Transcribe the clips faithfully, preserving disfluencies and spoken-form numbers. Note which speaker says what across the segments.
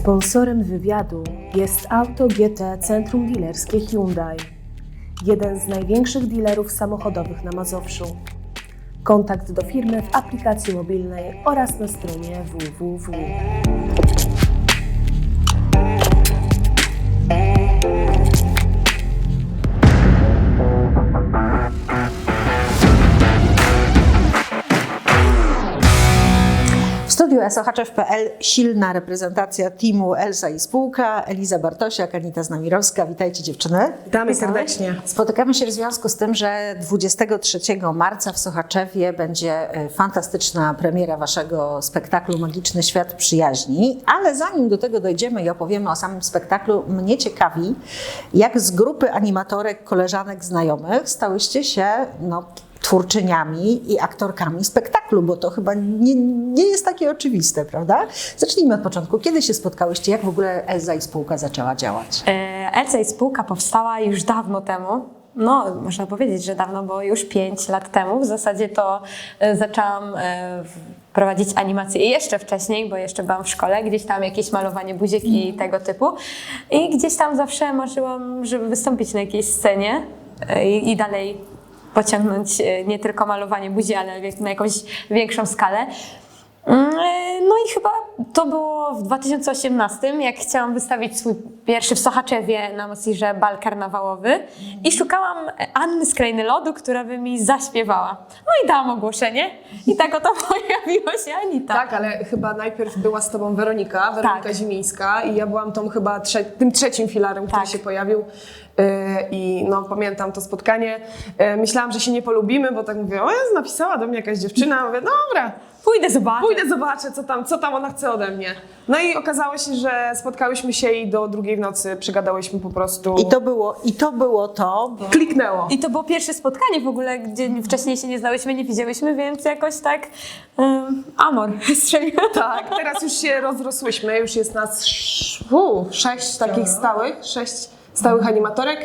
Speaker 1: Sponsorem wywiadu jest Auto G T Centrum Dealerskie Hyundai, jeden z największych dealerów samochodowych na Mazowszu. Kontakt do firmy w aplikacji mobilnej oraz na stronie w w w.
Speaker 2: W studiu Sochaczew kropka p l silna reprezentacja teamu Elsa i spółka, Eliza Bartosiak, Anita Znamirowska. Witajcie dziewczyny.
Speaker 1: Witamy serdecznie.
Speaker 2: Spotykamy się w związku z tym, że dwudziestego trzeciego marca w Sochaczewie będzie fantastyczna premiera waszego spektaklu Magiczny Świat Przyjaźni, ale zanim do tego dojdziemy i opowiemy o samym spektaklu, mnie ciekawi, jak z grupy animatorek, koleżanek, znajomych stałyście się no, twórczyniami i aktorkami spektaklu, bo to chyba nie, nie jest takie oczywiste, prawda? Zacznijmy od początku. Kiedy się spotkałyście? Jak w ogóle Elza i spółka zaczęła działać?
Speaker 3: Elza i spółka powstała już dawno temu. No, można powiedzieć, że dawno, bo już pięć lat temu. W zasadzie to zaczęłam prowadzić animację jeszcze wcześniej, bo jeszcze byłam w szkole, gdzieś tam jakieś malowanie buziek i tego typu. I gdzieś tam zawsze marzyłam, żeby wystąpić na jakiejś scenie i, i dalej pociągnąć nie tylko malowanie buzi, ale na jakąś większą skalę. No i chyba to było w dwa tysiące osiemnastym, jak chciałam wystawić swój pierwszy w Sochaczewie na Mosirze bal karnawałowy i szukałam Anny z Krainy Lodu, która by mi zaśpiewała. No i dałam ogłoszenie i tak oto pojawiła się Anita.
Speaker 4: Tak, ale chyba najpierw była z tobą Weronika, Weronika
Speaker 3: Tak.
Speaker 4: Zimińska i ja byłam tą chyba trze tym trzecim filarem, który
Speaker 3: Tak.
Speaker 4: się pojawił. Yy, I no, pamiętam to spotkanie. Yy, myślałam, że się nie polubimy, bo tak mówię, o Jezu, napisała do mnie jakaś dziewczyna. Mówię, dobra,
Speaker 3: Pójdę zobaczyć.
Speaker 4: pójdę zobaczę, co tam, co tam ona chce ode mnie. No i okazało się, że spotkałyśmy się i do drugiej w nocy przygadałyśmy po prostu.
Speaker 2: I to było, i to, było to bo...
Speaker 4: Kliknęło.
Speaker 3: I to było pierwsze spotkanie w ogóle, gdzie wcześniej się nie znałyśmy, nie widziałyśmy, więc jakoś tak um, amor strzeliło.
Speaker 4: Tak, teraz już się rozrosłyśmy, już jest nas uu, sześć takich stałych, sześć stałych animatorek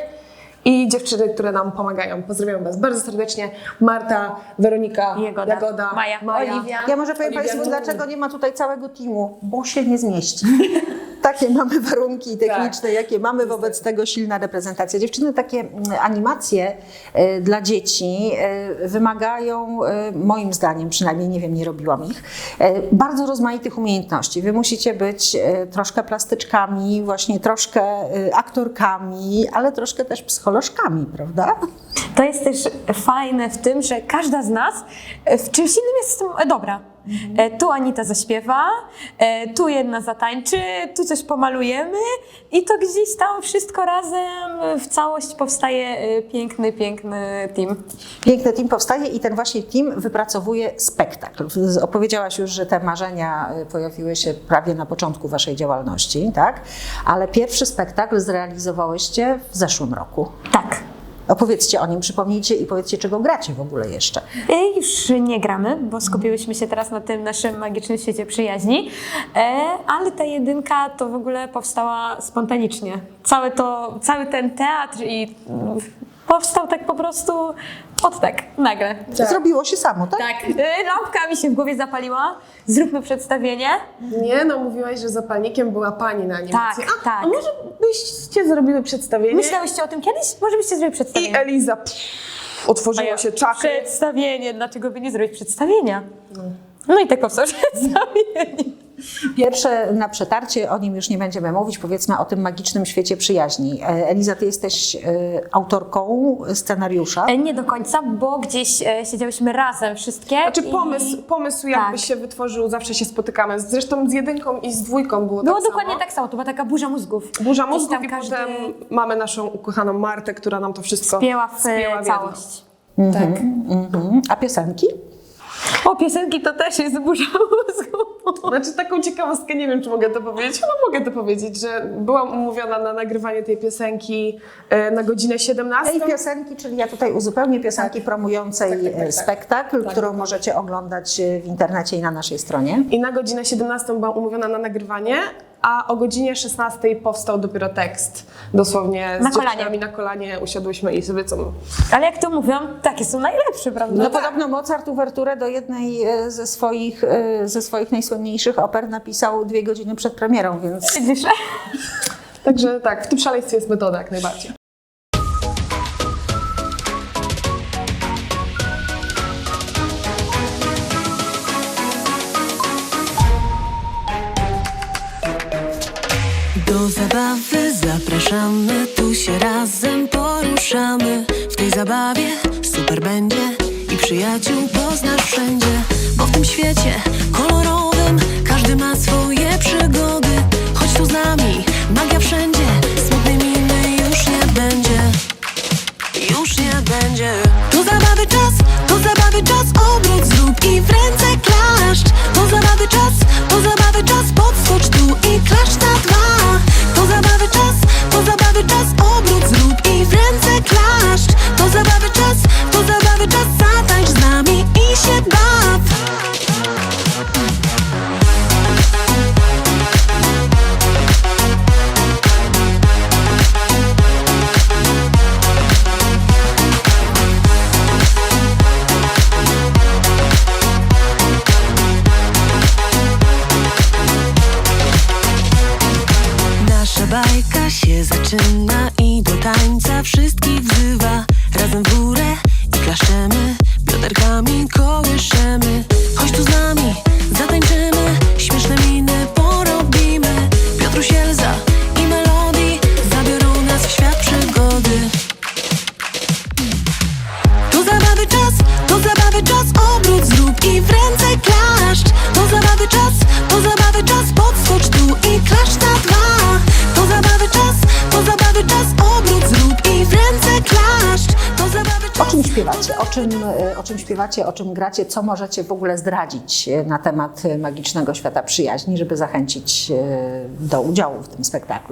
Speaker 4: i dziewczyny, które nam pomagają. Pozdrawiam was bardzo serdecznie. Marta, Weronika,
Speaker 3: Jagoda,
Speaker 4: Jagoda
Speaker 3: Maja, Oliwia.
Speaker 2: Ja może powiem
Speaker 4: Oliwia
Speaker 2: Państwu,
Speaker 4: Nowak.
Speaker 2: dlaczego nie ma tutaj całego teamu, bo się nie zmieści. Takie mamy warunki techniczne,
Speaker 4: Tak.
Speaker 2: jakie mamy, wobec tego silna reprezentacja. Dziewczyny, takie mm, animacje y, dla dzieci y, wymagają, y, moim zdaniem, przynajmniej nie wiem, nie robiłam ich, y, bardzo rozmaitych umiejętności. Wy musicie być y, troszkę plastyczkami, właśnie troszkę y, aktorkami, ale troszkę też psycholożkami, prawda?
Speaker 3: To jest też fajne w tym, że każda z nas w czymś innym jest z tym dobra. E, Tu Anita zaśpiewa, e, tu jedna zatańczy, tu coś pomalujemy i to gdzieś tam wszystko razem w całość powstaje e, piękny, piękny team.
Speaker 2: Piękny team powstaje i ten właśnie team wypracowuje spektakl. Opowiedziałaś już, że te marzenia pojawiły się prawie na początku waszej działalności, tak? Ale pierwszy spektakl zrealizowałyście w zeszłym roku.
Speaker 3: Tak.
Speaker 2: Opowiedzcie o nim, przypomnijcie i powiedzcie, czego gracie w ogóle jeszcze.
Speaker 3: E, Już nie gramy, bo skupiłyśmy się teraz na tym naszym magicznym świecie przyjaźni, e, ale ta jedynka to w ogóle powstała spontanicznie. Cały, to, cały ten teatr i mm, powstał tak po prostu od tak, nagle.
Speaker 2: Zrobiło się samo, tak?
Speaker 3: Tak, e, lampka mi się w głowie zapaliła, zróbmy przedstawienie.
Speaker 4: Nie, no mówiłaś, że zapalnikiem była pani na animacji.
Speaker 3: Tak,
Speaker 4: a,
Speaker 3: tak.
Speaker 4: a może byście zrobiły przedstawienie?
Speaker 3: Myślałyście o tym kiedyś? Może byście zrobili
Speaker 4: I
Speaker 3: przedstawienie?
Speaker 4: Eliza pff, otworzyło się czakry.
Speaker 3: Przedstawienie, dlaczego by nie zrobić przedstawienia? No i tak powstało przedstawienie.
Speaker 2: Pierwsze na przetarcie, o nim już nie będziemy mówić, powiedzmy o tym magicznym świecie przyjaźni. Eliza, ty jesteś e, autorką scenariusza.
Speaker 3: E, Nie do końca, bo gdzieś e, siedziałyśmy razem wszystkie.
Speaker 4: Znaczy
Speaker 3: i
Speaker 4: pomysł, pomysł jakby
Speaker 3: Tak.
Speaker 4: się wytworzył, zawsze się spotykamy. Zresztą z jedynką i z dwójką było,
Speaker 3: Było
Speaker 4: tak
Speaker 3: dokładnie
Speaker 4: samo.
Speaker 3: tak samo, to była taka burza mózgów.
Speaker 4: Burza
Speaker 3: Gdzieś
Speaker 4: mózgów
Speaker 3: tam
Speaker 4: i
Speaker 3: każdy
Speaker 4: potem mamy naszą ukochaną Martę, która nam to wszystko
Speaker 3: spięła w
Speaker 4: spięła w jedno.
Speaker 3: całość.
Speaker 4: Tak.
Speaker 2: Mhm. A piosenki?
Speaker 3: O, piosenki to też jest burza mózgów.
Speaker 4: Znaczy taką ciekawostkę, nie wiem czy mogę to powiedzieć, chyba mogę to powiedzieć, że byłam umówiona na nagrywanie tej piosenki e, na godzinę siedemnastą.
Speaker 2: Tej piosenki, czyli ja tutaj uzupełnię piosenki promującej
Speaker 4: Tak, tak, tak, tak.
Speaker 2: spektakl,
Speaker 4: Tak.
Speaker 2: którą możecie oglądać w internecie i na naszej stronie.
Speaker 4: I na godzinę siedemnastą byłam umówiona na nagrywanie, a o godzinie szesnastej powstał dopiero tekst. Dosłownie z
Speaker 3: Na kolanie.
Speaker 4: dziewczynami na kolanie usiadłyśmy i sobie co...
Speaker 3: Ale jak to mówią, takie są najlepsze, prawda?
Speaker 2: No podobno Mozart uwerturę do jednej e, ze swoich, e, ze swoich najsłynniejszych oper napisał dwie godziny przed premierą, więc...
Speaker 3: Widzisz?
Speaker 4: Także tak, w tym szaleństwie jest metoda jak najbardziej.
Speaker 5: Do zabawy zapraszamy, tu się razem poruszamy. W tej zabawie super będzie i przyjaciół poznasz wszędzie. Bo w tym świecie kolorowym każdy ma swoje przygody. Chodź tu z nami, magia wszędzie, smutnej miny już nie będzie. Już nie będzie. To zabawy czas, to zabawy czas, obrót zrób i w ręce klaszcz. To zabawy czas, to zabawy czas, podskocz tu i klaszcz na dwa. To zabawy czas, to zabawy czas, obrót zrób i w ręce klaszcz. To zabawy czas, to zabawy czas, zatańcz z nami i się baw. Nasza bajka się zaczyna i do tańca wszystkich wzywa. Razem w górę i klaszczemy, bioderkami kołyszemy. Chodź tu z nami, zatańczymy, śmieszne miny porobimy. Piotruś, Elza i Melody zabiorą nas w świat przygody. To zabawy czas, to zabawy czas, obrót zrób i w ręce klaszcz. To zabawy czas, to zabawy czas, podskocz tu i klaszcz na dwa. To zabawy czas, to zabawy czas, obrót zrób i w ręce klaszcz. To zabawy
Speaker 2: O
Speaker 5: czas.
Speaker 2: czym śpiewacie? O czym, e, o czym śpiewacie, o czym gracie? Co możecie w ogóle zdradzić e, na temat e, magicznego świata przyjaźni, żeby zachęcić e, do udziału w tym spektaklu?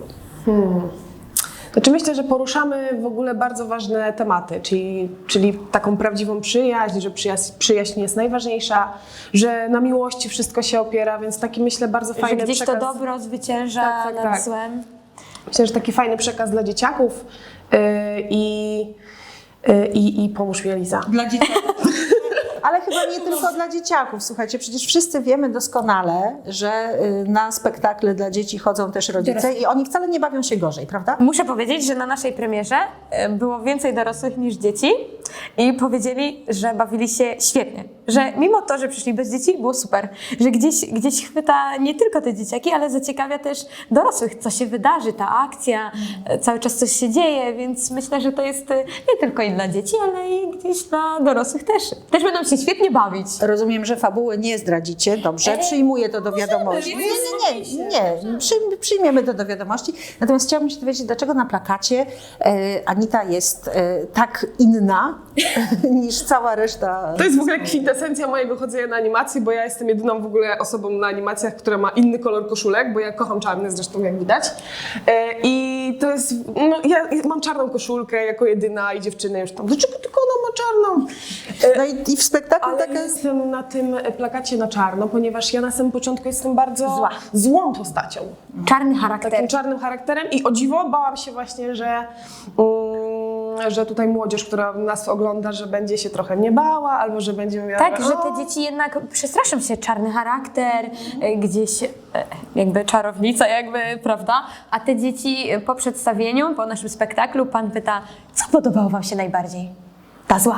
Speaker 4: Znaczy myślę, że poruszamy w ogóle bardzo ważne tematy, czyli, czyli taką prawdziwą przyjaźń, że przyjaźń, przyjaźń jest najważniejsza, że na miłości wszystko się opiera, więc taki myślę bardzo
Speaker 3: Że
Speaker 4: fajny
Speaker 3: gdzieś
Speaker 4: przekaz.
Speaker 3: to dobro zwycięża
Speaker 4: Tak, tak,
Speaker 3: nad
Speaker 4: tak.
Speaker 3: złem.
Speaker 4: Myślę, że taki fajny przekaz dla dzieciaków yy, i, yy, i, i pomóż mi, Eliza.
Speaker 2: Dla dzieciaków. Ale chyba nie tylko dla dzieciaków. Słuchajcie, przecież wszyscy wiemy doskonale, że y, na spektakle dla dzieci chodzą też rodzice i oni wcale nie bawią się gorzej, prawda?
Speaker 3: Muszę powiedzieć, że na naszej premierze e, było więcej dorosłych niż dzieci i powiedzieli, że bawili się świetnie. Że mimo to, że przyszli bez dzieci, było super. Że gdzieś, gdzieś chwyta nie tylko te dzieciaki, ale zaciekawia też dorosłych, co się wydarzy, ta akcja, e, cały czas coś się dzieje, więc myślę, że to jest e, nie tylko i dla dzieci, ale i gdzieś dla dorosłych też. Też będą się świetnie bawić.
Speaker 2: Rozumiem, że fabuły nie zdradzicie. Dobrze, przyjmuję to do wiadomości. Nie, nie, nie, nie. Przyjm- przyjmiemy to do wiadomości. Natomiast chciałabym się dowiedzieć, dlaczego na plakacie e, Anita jest e, tak inna niż cała reszta.
Speaker 4: To jest w ogóle kwintesencja mojego chodzenia na animacje, bo ja jestem jedyną w ogóle osobą na animacjach, która ma inny kolor koszulek, bo ja kocham czarne zresztą, jak widać. E, I to jest, no ja mam czarną koszulkę jako jedyna i dziewczyny już tam, dlaczego tylko ona ma czarną? E,
Speaker 2: No i, i w spektaklu
Speaker 4: Ale
Speaker 2: taka
Speaker 4: ja jestem na tym plakacie na czarno, ponieważ ja na samym początku jestem bardzo
Speaker 3: Zła.
Speaker 4: złą postacią.
Speaker 3: Czarny charakter.
Speaker 4: Takim czarnym charakterem i o dziwo bałam się właśnie, że, mm, że tutaj młodzież, która nas ogląda, że będzie się trochę nie bała, albo że będzie mówiła,
Speaker 3: Tak, że
Speaker 4: o,
Speaker 3: te dzieci jednak przestraszą się, czarny charakter, e, gdzieś e, jakby czarownica jakby, prawda? A te dzieci e, po przedstawieniu, po naszym spektaklu, pan pyta, co podobało wam się najbardziej? Ta zła.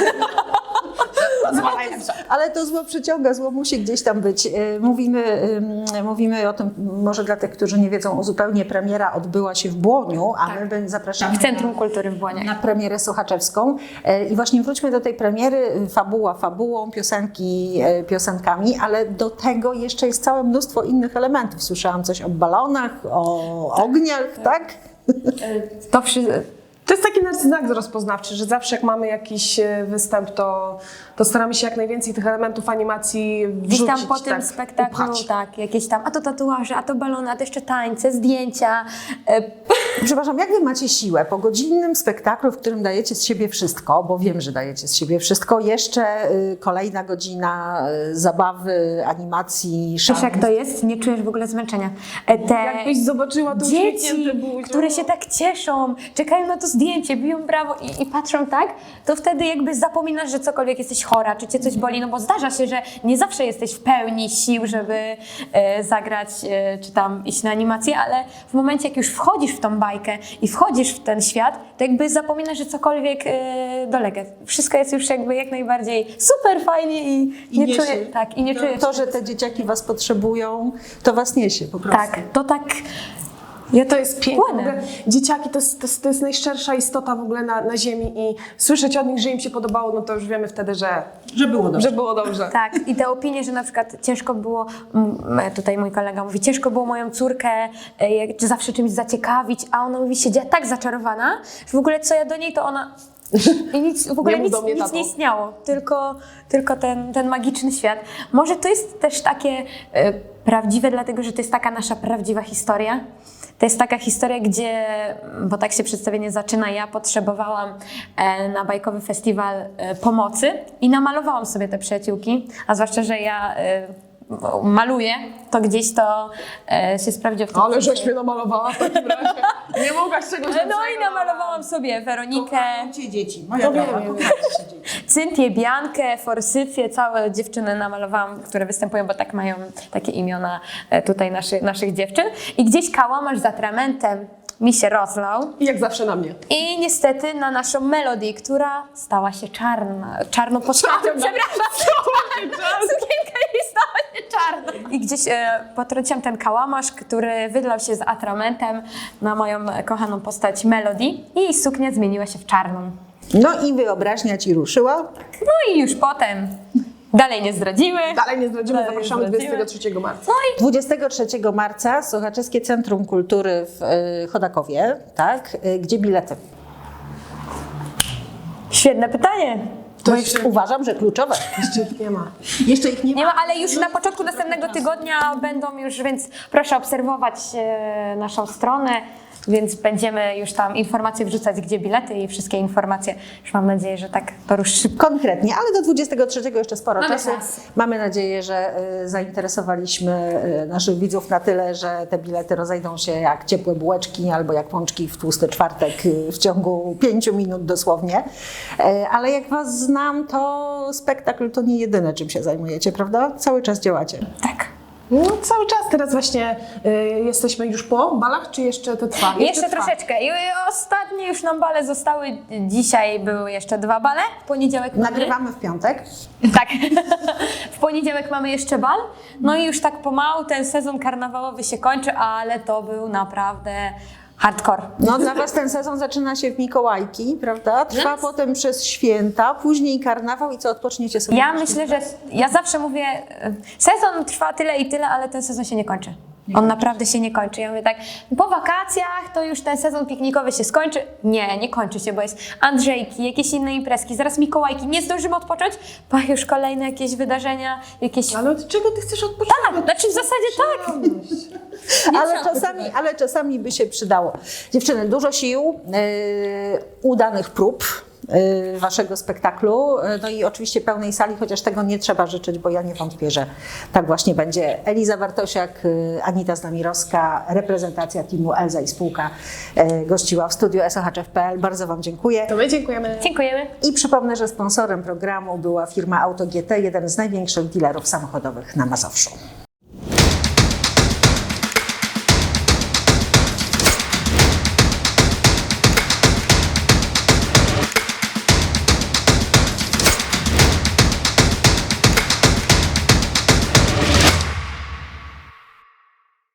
Speaker 4: zła najlepsza.
Speaker 2: Ale to zło przyciąga, zło musi gdzieś tam być. Y, Mówimy, y, mówimy o tym, może dla tych, którzy nie wiedzą, zupełnie premiera odbyła się w Błoniu, a my będzie- zapraszamy
Speaker 3: W Centrum Kultury w Błoniach.
Speaker 2: na premierę sochaczewską. Y, I właśnie wróćmy do tej premiery. Fabuła fabułą, piosenki y, piosenkami, ale do tego jeszcze jest całe mnóstwo innych elementów. Słyszałam coś o balonach, o ogniach, tak?
Speaker 3: To wszy-
Speaker 4: To jest taki nasz znak rozpoznawczy, że zawsze jak mamy jakiś e, występ, to, to staramy się jak najwięcej tych elementów animacji wrzucić.
Speaker 3: Gdzieś tam po tym
Speaker 4: tak,
Speaker 3: spektaklu,
Speaker 4: upchać.
Speaker 3: tak, jakieś tam, a to tatuaże, a to balony, a to jeszcze tańce, zdjęcia. E,
Speaker 2: Przepraszam, jak wy macie siłę po godzinnym spektaklu, w którym dajecie z siebie wszystko, bo wiem, że dajecie z siebie wszystko, jeszcze y, kolejna godzina y, zabawy, animacji,
Speaker 3: Wiesz
Speaker 2: szarmu.
Speaker 3: jak to jest? Nie czujesz w ogóle zmęczenia. E, Te
Speaker 4: Jakbyś zobaczyła tą
Speaker 3: dzieci,
Speaker 4: uśmiechnięte buzią.
Speaker 3: które się tak cieszą, czekają na to zdjęcie, biją brawo i, i patrzą tak, to wtedy jakby zapominasz, że cokolwiek jesteś chora, czy cię coś boli, no bo zdarza się, że nie zawsze jesteś w pełni sił, żeby e, zagrać, e, czy tam iść na animację, ale w momencie, jak już wchodzisz w tą bajkę i wchodzisz w ten świat, to jakby zapominasz, że cokolwiek e, dolega. Wszystko jest już jakby jak najbardziej super fajnie i,
Speaker 2: I
Speaker 3: nie
Speaker 2: niesie.
Speaker 3: czuję, tak, i nie czuję.
Speaker 2: To, że te dzieciaki was potrzebują, to was niesie po prostu.
Speaker 3: Tak, to tak.
Speaker 4: Ja to jest piękne. W
Speaker 3: Płynę.
Speaker 4: ogóle dzieciaki to jest, to, jest, to jest najszczersza istota w ogóle na, na ziemi i słyszeć od nich, że im się podobało, no to już wiemy wtedy, że,
Speaker 2: Że było dobrze.
Speaker 4: że było dobrze.
Speaker 3: Tak, i te opinie, że na przykład ciężko było, mm, tutaj mój kolega mówi, ciężko było moją córkę e, jak- czy zawsze czymś zaciekawić, a ona mówi, siedziała tak zaczarowana, że w ogóle co ja do niej, to ona... I nic, w ogóle
Speaker 4: Nie mów
Speaker 3: nic,
Speaker 4: do mnie,
Speaker 3: nic
Speaker 4: tato.
Speaker 3: nie istniało, tylko, tylko ten, ten magiczny świat. Może to jest też takie e, prawdziwe, dlatego że to jest taka nasza prawdziwa historia. To jest taka historia, gdzie, bo tak się przedstawienie zaczyna, ja potrzebowałam e, na bajkowy festiwal e, pomocy i namalowałam sobie te przyjaciółki, a zwłaszcza, że ja e, maluję, to gdzieś to e, się sprawdziło w tym
Speaker 4: Ale żeś
Speaker 3: filmie.
Speaker 4: mnie namalowała w takim razie. Nie mogłaś czegoś
Speaker 3: No
Speaker 4: lepszego.
Speaker 3: i namalowałam sobie Weronikę,
Speaker 2: Kochajcie dzieci. Moja
Speaker 4: To wiem,
Speaker 2: droga,
Speaker 4: wiem.
Speaker 2: kochajcie dzieci.
Speaker 3: Cynthię, Biankę, Forsycję, całe dziewczyny namalowałam, które występują, bo tak mają takie imiona e, tutaj naszy, naszych dziewczyn. I gdzieś kałamarz z atramentem mi się rozlał.
Speaker 4: I jak zawsze na mnie.
Speaker 3: I niestety na naszą Melody, która stała się czarna, czarną postacią, przepraszam, sukienka jej stała się czarna. I gdzieś e, potrąciłam ten kałamarz, który wydlał się z atramentem na moją kochaną postać Melody i jej suknia zmieniła się w czarną.
Speaker 2: No i wyobraźnia ci ruszyła.
Speaker 3: No i już potem, dalej nie zdradzimy.
Speaker 4: Dalej nie zdradzimy,
Speaker 3: Dalej nie
Speaker 4: zapraszamy
Speaker 3: zdradzimy.
Speaker 4: dwudziestego trzeciego marca.
Speaker 3: No i
Speaker 2: dwudziestego trzeciego marca Sochaczewskie Centrum Kultury w y, Chodakowie, tak? Y, Gdzie bilety?
Speaker 3: świetne pytanie.
Speaker 4: To
Speaker 2: Bo
Speaker 4: jeszcze,
Speaker 2: uważam, że kluczowe.
Speaker 4: jeszcze ich nie ma.
Speaker 2: Jeszcze ich nie
Speaker 3: Nie ma, ale już na początku następnego tygodnia będą już, więc proszę obserwować e, naszą stronę, więc będziemy już tam informacje wrzucać, gdzie bilety i wszystkie informacje. Już mam nadzieję, że tak to ruszy szybko.
Speaker 2: Konkretnie, ale do dwudziestego trzeciego jeszcze sporo
Speaker 3: Mamy
Speaker 2: czasu.
Speaker 3: czas.
Speaker 2: Mamy nadzieję, że y, zainteresowaliśmy y, naszych widzów na tyle, że te bilety rozejdą się jak ciepłe bułeczki albo jak pączki w tłusty czwartek y, w ciągu pięciu minut dosłownie. Y, ale jak was znam, to spektakl to nie jedyne, czym się zajmujecie, prawda? Cały czas działacie.
Speaker 3: Tak.
Speaker 4: No cały czas teraz właśnie y, jesteśmy już po balach, czy jeszcze to trwa?
Speaker 3: Jeszcze
Speaker 4: trwa.
Speaker 3: troszeczkę. I ostatnie już nam bale zostały. Dzisiaj były jeszcze dwa bale. W poniedziałek mamy...
Speaker 2: Nagrywamy w piątek.
Speaker 3: Tak. W poniedziałek mamy jeszcze bal. No i już tak pomału ten sezon karnawałowy się kończy, ale to był naprawdę hardcore.
Speaker 2: No dla was ten sezon zaczyna się w Mikołajki, prawda? Trwa
Speaker 3: Yes.
Speaker 2: potem przez święta, później karnawał i co, odpoczniecie sobie?
Speaker 3: Ja
Speaker 2: na
Speaker 3: myślę, że ja zawsze mówię, e, sezon trwa tyle i tyle, ale ten sezon się nie kończy. On naprawdę się nie kończy. Ja mówię tak, po wakacjach to już ten sezon piknikowy się skończy. Nie, nie kończy się, bo jest Andrzejki, jakieś inne imprezki, zaraz Mikołajki, nie zdążymy odpocząć, bo już kolejne jakieś wydarzenia, jakieś...
Speaker 4: Ale od czego ty chcesz odpocząć?
Speaker 3: Tak, znaczy w zasadzie tak.
Speaker 2: Ale czasami, ale czasami by się przydało. Dziewczyny, dużo sił, yy, udanych prób yy, waszego spektaklu, yy, no i oczywiście pełnej sali, chociaż tego nie trzeba życzyć, bo ja nie wątpię, że tak właśnie będzie. Eliza Bartosiak, yy, Anita Znamirowska, reprezentacja teamu Elza i spółka yy, gościła w studiu S O H F kropka P L. Bardzo wam dziękuję.
Speaker 4: To my dziękujemy.
Speaker 3: Dziękujemy.
Speaker 2: I przypomnę, że sponsorem programu była firma Auto G T, jeden z największych dealerów samochodowych na Mazowszu.